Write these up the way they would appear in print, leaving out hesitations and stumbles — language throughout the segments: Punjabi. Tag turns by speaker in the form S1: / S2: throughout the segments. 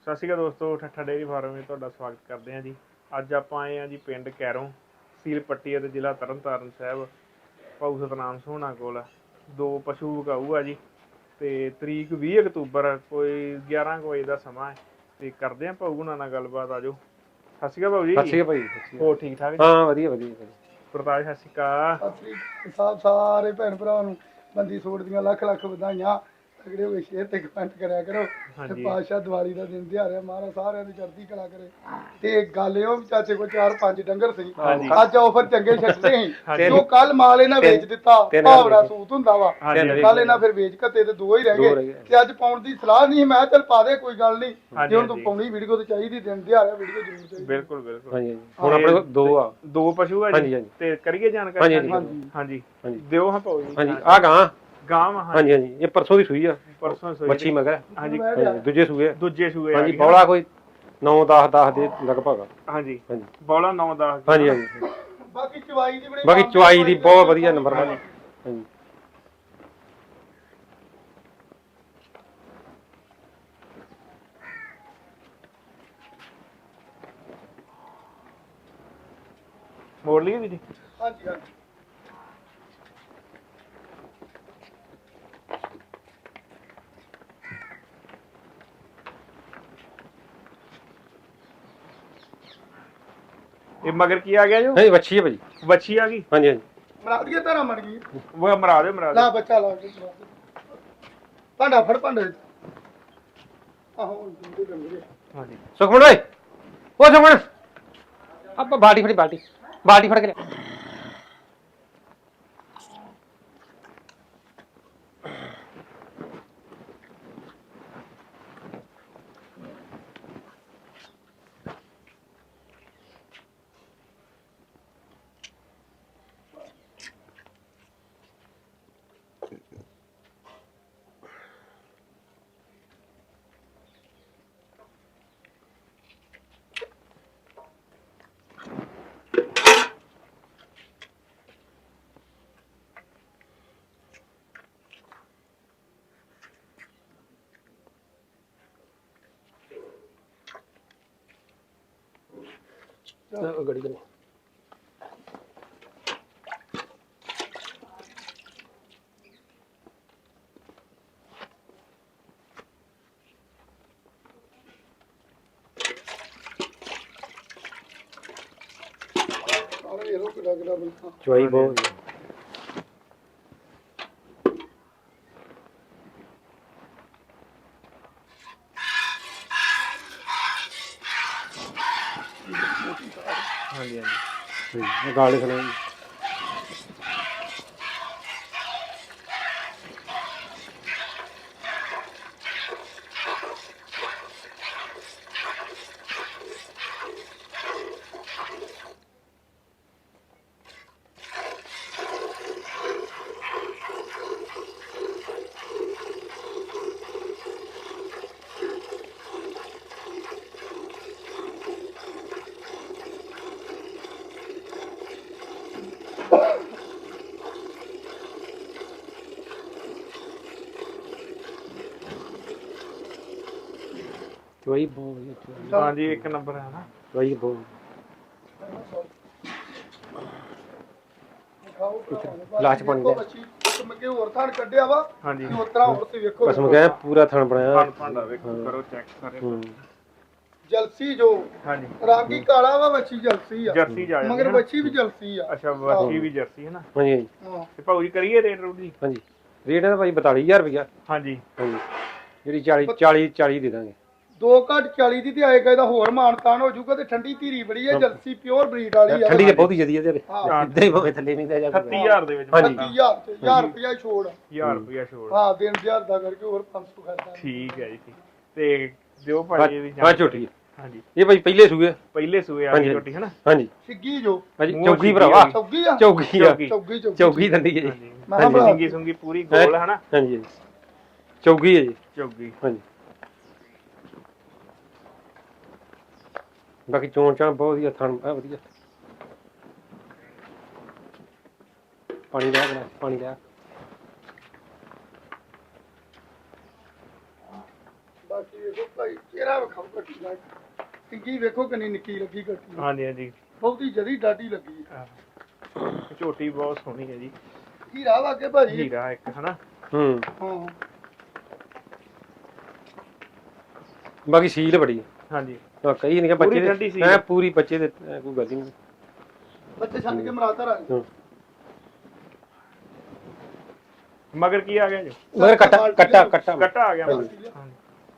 S1: ਸਤਿ ਸ਼੍ਰੀ ਅਕਾਲ ਦੋਸਤੋ, ਠੱਠਾ ਡੇਅਰੀ ਫਾਰਮ ਵਿੱਚ ਤੁਹਾਡਾ ਸਵਾਗਤ ਕਰਦੇ ਹਾਂ ਜੀ। ਅੱਜ ਆਪਾਂ ਆਏ ਹਾਂ ਜੀ ਪਿੰਡ ਕੈਰੋਂ, ਤਹਿਸੀਲ ਪੱਟੀ ਅਤੇ ਜ਼ਿਲ੍ਹਾ ਤਰਨਤਾਰਨ ਸਾਹਿਬ। ਭਾਊ ਸਤਨਾਮ ਸੋਹਣਾ ਕੋਲ 2 ਪਸ਼ੂ ਵਿਕਾਊ ਆ ਜੀ। ਅਤੇ ਤਰੀਕ 20 ਅਕਤੂਬਰ ਕੋਈ 11 ਕੁ ਵਜੇ ਦਾ ਸਮਾਂ ਹੈ। ਅਤੇ ਕਰਦੇ ਹਾਂ ਭਾਊ ਹੁਣਾਂ ਨਾਲ ਗੱਲਬਾਤ। ਆਜੋ। ਸਤਿ ਸ਼੍ਰੀ ਅਕਾਲ ਭਾਊ ਜੀ।
S2: ਸਤਿ ਸ਼੍ਰੀ ਅਕਾਲ ਭਾਈ।
S1: ਹੋਰ ਠੀਕ ਠਾਕ ਜੀ?
S2: ਹਾਂ ਵਧੀਆ ਵਧੀਆ।
S1: ਪ੍ਰਤਾਪ ਸਤਿ ਸ਼੍ਰੀ ਅਕਾਲ।
S3: ਸਤਿ ਸ੍ਰੀ ਅਕਾਲ ਸਾਰੇ ਭੈਣ ਭਰਾਵਾਂ ਨੂੰ ਬੰਦੀ ਛੋੜ ਦੀਆਂ ਲੱਖ ਲੱਖ ਵਧਾਈਆਂ। ਤਗੜੇ ਹੋਏ ਸ਼ੇਅਰ ਤੇ ਕਮੈਂਟ ਕਰਿਆ ਕਰੋ। ਤੇ ਪਾਤਸ਼ਾਹ ਦੀਵਾਲੀ ਦਾ ਦਿਨ ਦਿਹਾੜਾ ਮਹਾਰਾਜ ਸਾਰਿਆਂ ਦੀ ਚੜ੍ਹਦੀ ਕਲਾ ਕਰੇ। ਤੇ ਗੱਲ ਇਹ ਵੀ ਚਾਚੇ ਕੋਲ 4-5 ਡੰਗਰ ਸੀ। ਅੱਜ ਆਫਰ ਚੰਗੇ ਛੱਡਦੇ ਸੀ। ਜੋ ਕੱਲ ਮਾਲ ਇਹਨਾਂ ਵੇਚ ਦਿੱਤਾ, ਭਾਵੜਾ ਸੂਤ ਹੁੰਦਾ ਵਾ। ਕੱਲ ਇਹਨਾਂ ਫਿਰ ਵੇਚ ਘੱਤੇ ਤੇ 2 ਹੀ ਰਹਿ ਗਏ। ਤੇ ਅੱਜ ਪਾਉਣ ਦੀ ਸਲਾਹ ਨਹੀਂ, ਮੈਂ ਚੱਲ ਪਾ ਦੇ ਕੋਈ ਗੱਲ ਨਹੀਂ। ਜੇ ਹੁਣ ਤੂੰ ਪਾਉਣੀ ਵੀਡੀਓ ਤੇ ਚਾਹੀਦੀ, ਦਿਨ ਦਿਹਾੜਾ ਵੀਡੀਓ ਜ਼ਰੂਰ ਚਾਹੀਦੀ।
S1: ਬਿਲਕੁਲ ਬਿਲਕੁਲ।
S2: ਹਾਂਜੀ ਹੁਣ ਆਪਣੇ ਕੋਲ 2
S1: ਪਸ਼ੂ ਆ ਜੀ। ਤੇ ਕਰੀਏ ਜਾਣਕਾਰੀ। ਹਾਂਜੀ ਦਿਓ ਹਾਂ ਭਾਊ ਜੀ।
S2: ਹਾਂਜੀ ਆ ਗਾਂ
S1: ਹਾਂਜੀ
S2: ਹਾਂਜੀ ਇਹ ਪਰਸੋਂ ਦੀ ਸੂਈ ਆ।
S1: ਪਰਸੋਂ ਸੂਈ
S2: ਮੱਛੀ ਮਗਰ
S1: ਹਾਂਜੀ।
S2: ਦੂਜੇ ਸੂਏ
S1: ਹਾਂਜੀ।
S2: ਬੌਲਾ ਕੋਈ 9-10 ਦੇ ਲਗਭਗ।
S1: ਹਾਂਜੀ ਬੌਲਾ 9-10।
S2: ਹਾਂਜੀ
S3: ਬਾਕੀ ਚਵਾਈ ਦੀ ਬੜੀ
S2: ਬਾਕੀ ਚਵਾਈ ਦੀ ਬਹੁਤ ਵਧੀਆ ਨੰਬਰ ਵਾਲੀ। ਹਾਂਜੀ
S1: ਮੋੜ ਲਈਏ ਵੀਰੇ।
S3: ਹਾਂਜੀ ਹਾਂਜੀ।
S1: ਇਹ ਮਗਰ ਕੀ ਆ ਗਿਆ ਜੋ?
S2: ਨਹੀਂ ਵੱਛੀ ਹੈ ਭਾਜੀ।
S1: ਵੱਛੀ ਆ ਗਈ।
S2: ਹਾਂਜੀ ਹਾਂਜੀ
S3: ਮਰਾ ਦਈਏ ਧਾਰਾ ਮੜ ਗਈ।
S1: ਉਹ ਮਰਾ ਦਿਓ
S3: ਲਾ ਬੱਚਾ ਲਾ ਕੇ ਭਾਂਡਾ ਫੜ ਭਾਂਡੇ ਆਹੋ ਜਿੰਦੇ ਗੰਦੇ।
S1: ਹਾਂਜੀ
S2: ਸੁਖਮਣ ਓਏ, ਉਹ ਸੁਖਮਣ ਆਪਾਂ ਬਾਲਟੀ ਫੜ ਕੇ ਲਿਆ। ਗੜੀ ਕਰੀ
S3: ਸਾਰੇ ਇਹੋ ਕਿਹੜਾ ਕਿਹੜਾ ਬਣਾ
S2: ਚਵਾਈ ਬਹੁਤ
S1: ਹਾਂਜੀ ਹਾਂਜੀ।
S2: ਗਾਲੇ ਖੜੇ। ਚਵਾਈ ਬਹੁਤ ਵਧੀਆ।
S1: ਹਾਂਜੀ ਇੱਕ ਨੰਬਰ ਹੈ ਨਾ।
S2: ਚਵਾਈ ਬਹੁਤ ਲਾਚ ਬਣ ਗਿਆ।
S3: ਮੱਗੇ ਹੋਰ ਥਾਂ ਕੱਢਿਆ ਵਾ।
S1: ਹਾਂਜੀ
S3: ਉਸ ਤਰ੍ਹਾਂ ਹੋਰ ਤੇ ਵੇਖੋ
S2: ਕਸਮ ਕਹਿ ਪੂਰਾ ਥਣ ਬਣਾਇਆ।
S1: ਭਾਂਡਾ ਵੇਖੋ ਕਰੋ ਚੈੱਕ ਸਾਰੇ।
S3: ਜਲਸੀ ਜੋ
S1: ਹਾਂਜੀ
S3: ਰਾਗੀ ਕਾਲਾ ਵਾ, ਵੱਛੀ ਜਲਸੀ ਆ।
S1: ਜਰਸੀ ਜਾ ਜਾਂਦੀ
S3: ਮਗਰ
S1: ਹੈ ਨਾ।
S3: ਵੱਛੀ ਵੀ ਜਲਸੀ ਆ।
S1: ਅੱਛਾ ਵੱਛੀ ਵੀ ਜਰਸੀ ਹੈ ਨਾ।
S2: ਹਾਂਜੀ ਹਾਂਜੀ
S3: ਹਾਂ
S1: ਤੇ ਭਾਊ ਜੀ ਕਰੀਏ ਰੇਟ ਰੂਟ ਜੀ?
S2: ਹਾਂਜੀ ਰੇਟ ਇਹਦਾ ਭਾਈ 42000 ਰੁਪਇਆ।
S1: ਹਾਂਜੀ
S2: ਹਾਂਜੀ ਜਿਹੜੀ 40 ਦੇ ਦਾਂਗੇ।
S3: 2 ਘੱਟ 40 ਦੀ ਤੇ ਆਏਗਾ, ਇਹਦਾ ਹੋਰ ਮਾਨਤਾਨ ਹੋ ਜਾਊਗਾ। ਤੇ ਠੰਡੀ ਧੀਰੀ ਬੜੀ ਹੈ, ਜਲਸੀ ਪਿਓਰ ਬਰੀਡ ਵਾਲੀ ਆ।
S2: ਠੰਡੀ ਤੇ ਬਹੁਤੀ ਜਦੀ ਇਹਦੇ
S3: ਹਾਂ।
S2: ਇਦਾਂ ਹੀ ਭਾਵੇਂ ਥੱਲੇ ਨਹੀਂ ਦਾ ਜਾ
S1: 30000 ਦੇ ਵਿੱਚ।
S2: ਹਾਂਜੀ।
S3: 30000 ਤੇ 1000 ਰੁਪਇਆ ਛੋੜ।
S1: 1000 ਰੁਪਇਆ ਛੋੜ।
S3: ਹਾਂ ਦਿਨ 1000 ਦਾ ਕਰਕੇ ਹੋਰ 500 ਖਰਚਾ।
S1: ਠੀਕ ਹੈ ਜੀ ਠੀਕ। ਤੇ ਦਿਓ ਭਾਜੀ ਇਹਦੀ
S2: ਹਾਂ ਝੋਟੀ
S1: ਹਾਂਜੀ
S2: ਇਹ ਭਾਈ ਪਹਿਲੇ ਸੂਏ
S1: ਆ ਗਈ ਝੋਟੀ ਹੈ ਨਾ।
S2: ਹਾਂਜੀ
S3: ਸਿੱਗੀ ਜੋ
S2: ਹਾਂਜੀ ਚੌਗੀ ਭਰਾਵਾ
S3: ਚੌਗੀ ਆ।
S2: ਚੌਗੀ ਦੰਦੀ ਹੈ ਜੀ।
S1: ਹਾਂਜੀ ਸਿੰਗੀ ਸੁੰਗੀ ਪੂਰੀ ਗੋਲ ਹੈ ਨਾ।
S2: ਹਾਂਜੀ ਚੌਗੀ ਹੈ ਜੀ।
S1: ਚੌਗੀ
S2: ਹਾਂਜੀ ਬਾਕੀ ਚੋਣ ਚਾਣ ਬਹੁਤ ਵਧੀਆ ਥਣ ਆ ਵਧੀਆ। ਪਾਣੀ ਲਿਆ ਗਲਾਸ ਪਾਣੀ ਲਿਆ।
S3: ਬਾਕੀ ਵੇਖੋ ਭਾਈ ਚਿਹਰਾ ਵਿਖਾਓ ਕੱਟੀ ਨਾਲ ਟਿੰਗੀ ਵੇਖੋ ਕਿੰਨੀ ਨਿੱਕੀ ਲੱਗੀ ਕੱਟੀ
S1: ਹਾਂਜੀ ਹਾਂਜੀ
S3: ਬਹੁਤੀ ਜਦੀ ਡਾਢੀ ਲੱਗੀ
S1: ਝੋਟੀ ਬਹੁਤ ਸੋਹਣੀ ਹੈ ਜੀ
S3: ਹੀਰਾ ਵਾਕੇ ਭਾਜੀ
S1: ਹੀਰਾ ਇੱਕ ਹਨਾ
S2: ਹੂੰ
S3: ਹਾਂ
S2: ਬਾਕੀ ਸੀਲ ਬੜੀ ਹੈ
S1: ਹਾਂਜੀ
S2: ਕਈ ਨਹੀਂ
S1: ਪੂਰੀ
S2: ਬੱਚੇ
S1: ਠੰਡੀ ਸੀ।
S2: ਐ ਪੂਰੀ ਬੱਚੇ ਦੇ ਕੋਈ ਗੱਲ ਹੀ ਨਹੀਂ
S3: ਬੱਚੇ ਛੱਡ ਕੇ ਮਰਾਤਾ ਰੱਖ
S2: ਹੂੰ।
S1: ਮਗਰ ਕੀ ਆ ਗਿਆ ਜੀ
S2: ਮਗਰ ਕੱਟਾ
S1: ਕੱਟਾ ਆ ਗਿਆ ਮਗਰ।
S2: ਹਾਂਜੀ।
S1: ਹਾਂਜੀ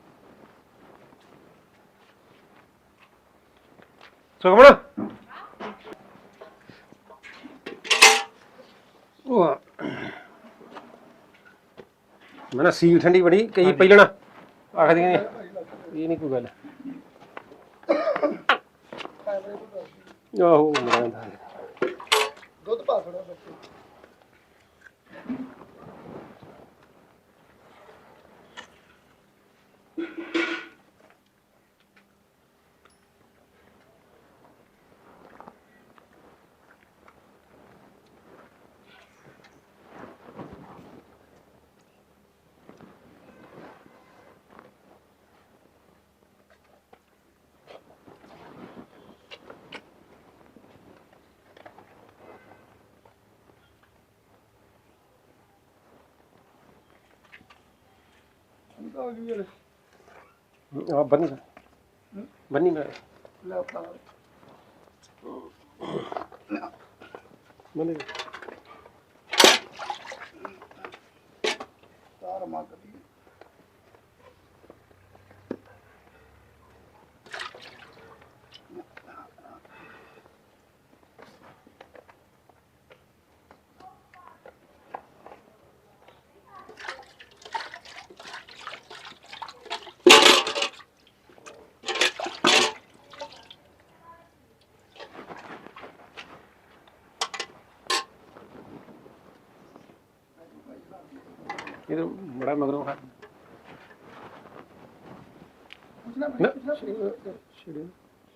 S2: ਸੁਖਮਣ ਉਹ ਮੈਂ ਸੀਲ ਠੰਡੀ ਬੜੀ ਕਈ ਪਹਿਲਣਾ ਆਖਦੀਆਂ ਨੇ ਇਹ ਨਹੀਂ ਕੋਈ ਗੱਲ ਆਹੋ ਮਰਾਂ
S3: ਦੁੱਧ ਪਾ ਥੋੜਾ ਬੱਚੇ ਆ ਗਈ ਯਾਰ
S2: ਆ ਬੰਨੀ ਮੈਂ
S3: ਲੈ ਪਾ
S2: ਬੰਨੀ
S3: ਤਾਰ ਮੱਕਦੀ
S2: ਇਹ ਤਾਂ ਬੜਾ ਮਗਰੋਂ ਖਾ
S3: ਪੁੱਛਣਾ
S2: ਨਾ
S3: ਪੁੱਛਣਾ
S2: ਛੇੜਿਆ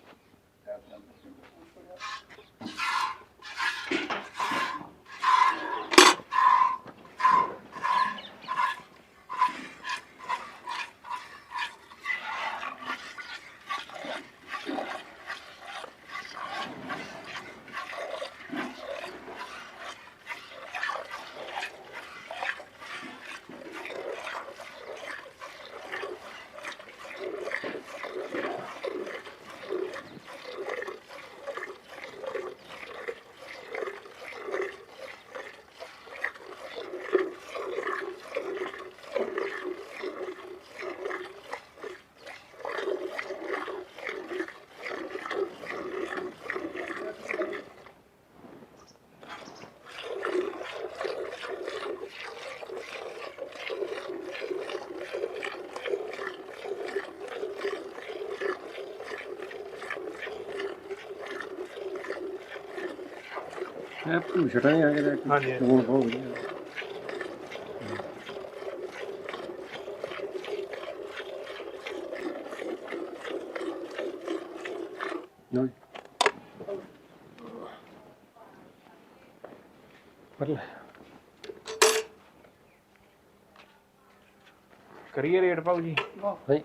S2: ਇਹ ਭੂਸ਼ਟਾ ਨਹੀਂ ਆ ਗਿਆ
S1: ਹਾਂਜੀ
S2: ਲੂਣ ਬਹੁਤ ਵਧੀਆ ਲਓ ਜੀ। ਪਰ ਲੈ
S1: ਕਰੀਏ ਰੇਟ ਭਾਊ ਜੀ
S2: ਭਾਈ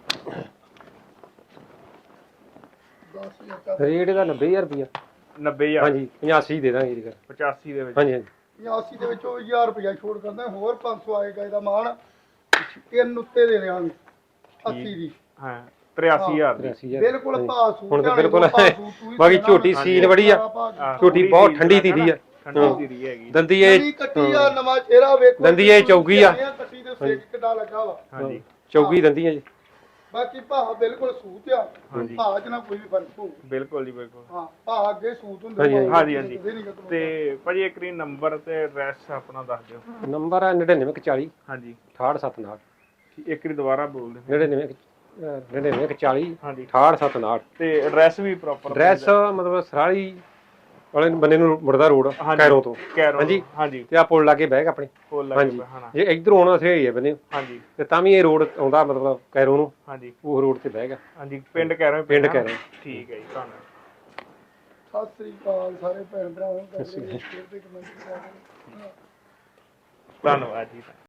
S3: 10000 का
S2: ਰੇਟ ਇਹਦਾ 90000 ਰੁਪਇਆ
S1: 90000
S2: ਹਾਂਜੀ 85 ਦੇ ਦਾਂਗੇ ਜੀ
S1: 85 ਦੇ ਵਿੱਚ
S2: ਹਾਂਜੀ ਹਾਂਜੀ
S3: 80 ਦੇ ਵਿੱਚੋਂ 1000 ਰੁਪਇਆ ਛੋੜ ਕਰਦਾ ਹੋਰ 500 ਆਏਗਾ ਇਹਦਾ ਮਾਣ ਤਿੰਨ ਉੱਤੇ ਦੇ ਦੇਵਾਂਗੇ 80 ਦੀ
S1: ਹਾਂ 83000 ਦੀ
S2: 83000
S3: ਬਿਲਕੁਲ ਭਾਅ ਸੂਟ
S2: ਹੁਣ ਤਾਂ
S3: ਵਾਲੇ
S2: ਬਿਲਕੁਲ
S3: ਭਾਅ ਸੂਟ ਤੂੰ ਵੀ
S2: ਬਾਕੀ
S3: ਦੇਣਾ
S2: ਝੋਟੀ
S3: ਵਾ।
S2: ਸੀਲ ਬੜੀ ਆ
S1: ਆਹ,
S2: ਝੋਟੀ ਬਹੁਤ ਠੰਡੀ
S1: ਸੀਲ
S2: ਧੀਰੀ ਆ
S1: ਠੰਡੀ ਧੀਰੀ ਹੈਗੀ
S2: ਦੰਦੀ ਇਹ
S3: ਨਵੀਂ ਕੱਟੀ ਆ ਨਵਾਂ ਚਿਹਰਾ ਵੇਖੋ
S2: ਦੰਦੀ ਇਹ ਚੌਗੀ ਆ।
S3: ਕੱਟੀ ਦੇ ਸੇਕ ਕਿੱਡਾ ਲੱਗਾ ਵਾ
S1: ਹਾਂਜੀ
S2: ਚੌਗੀ ਦੰਦੀ ਆ ਜੀ
S3: ਬਾਕੀ ਭਾਅ ਬਿਲਕੁਲ ਸੂਤ ਆ
S1: ਹਾਂਜੀ।
S3: ਭਾਅ ਚ ਨਾ ਕੋਈ ਵੀ ਫਰਕ ਹੋਊ
S1: ਬਿਲਕੁਲ ਜੀ ਬਿਲਕੁਲ
S3: ਹਾਂ ਭਾਅ ਅੱਗੇ ਸੂਤ ਹੁੰਦੇ
S2: ਹਾਂਜੀ,
S3: ਭਾਅ
S1: ਹਾਂਜੀ,
S3: ਅੱਗੇ ਨਹੀਂ ਕਦੋਂ
S1: ਤੇ ਭਾਜੀ ਇੱਕ ਰੀ ਨੰਬਰ ਤੇ ਐਡਰੈਸ ਆਪਣਾ ਦੱਸ ਦਿਓ
S2: ਨੰਬਰ ਆ 9940
S1: ਹਾਂਜੀ
S2: 6879
S1: ਇੱਕ ਰੀ ਦੁਬਾਰਾ ਬੋਲ ਦਿਓ
S2: 9940
S1: ਹਾਂਜੀ
S2: 6879
S1: ਤੇ ਐਡਰੈਸ ਵੀ ਪ੍ਰੋਪਰ
S2: ਐਡਰੈਸ ਮਤਲਬ ਸਰਾਲੀ ਵਾਲੇ ਬੰਨੇ ਨੂੰ ਮੁੜਦਾ ਰੋਡ
S1: ਹਾਂਜੀ।
S2: ਕੈਰੋਂ ਤੋਂ
S1: ਕੈਰੋ
S2: ਹਾਂਜੀ।
S1: ਹਾਂਜੀ
S2: ਤੇ ਆ ਪੁਲ ਲਾਗੇ ਬਹਿ ਆਪਣੇ
S1: ਫੁੱਲ ਲੱਗ
S2: ਹਾਂਜੀ
S1: ਹਨਾ
S2: ਜੇ ਇਧਰੋਂ ਆਉਣਾ ਸਹੀ ਹੈ ਬੰਨੇ
S1: ਹਾਂਜੀ
S2: ਤੇ ਤਾਂ ਵੀ ਇਹ ਰੋਡ ਆਉਂਦਾ ਮਤਲਬ ਕੈਰੋਂ ਨੂੰ
S1: ਹਾਂਜੀ
S2: ਉਹ ਰੋਡ ਤੇ ਬਹਿ ਗਿਆ
S1: ਹਾਂਜੀ ਪਿੰਡ ਕੈਰੋ
S2: ਪਿੰਡ ਕੈਰੋਂ।
S1: ਠੀਕ ਹੈ ਜੀ ਧੰਨਵਾਦ
S3: ਸਤਿ ਸ੍ਰੀ ਅਕਾਲ ਸਾਰੇ ਭੈਣ ਭਰਾਵਾਂ ਨੂੰ ਕਰਦੇ ਸ਼ੇਅਰ ਤੇ ਕਮੈਂਟ ਕਰਾ ਦਿਓ
S1: ਧੰਨਵਾਦ ਜੀ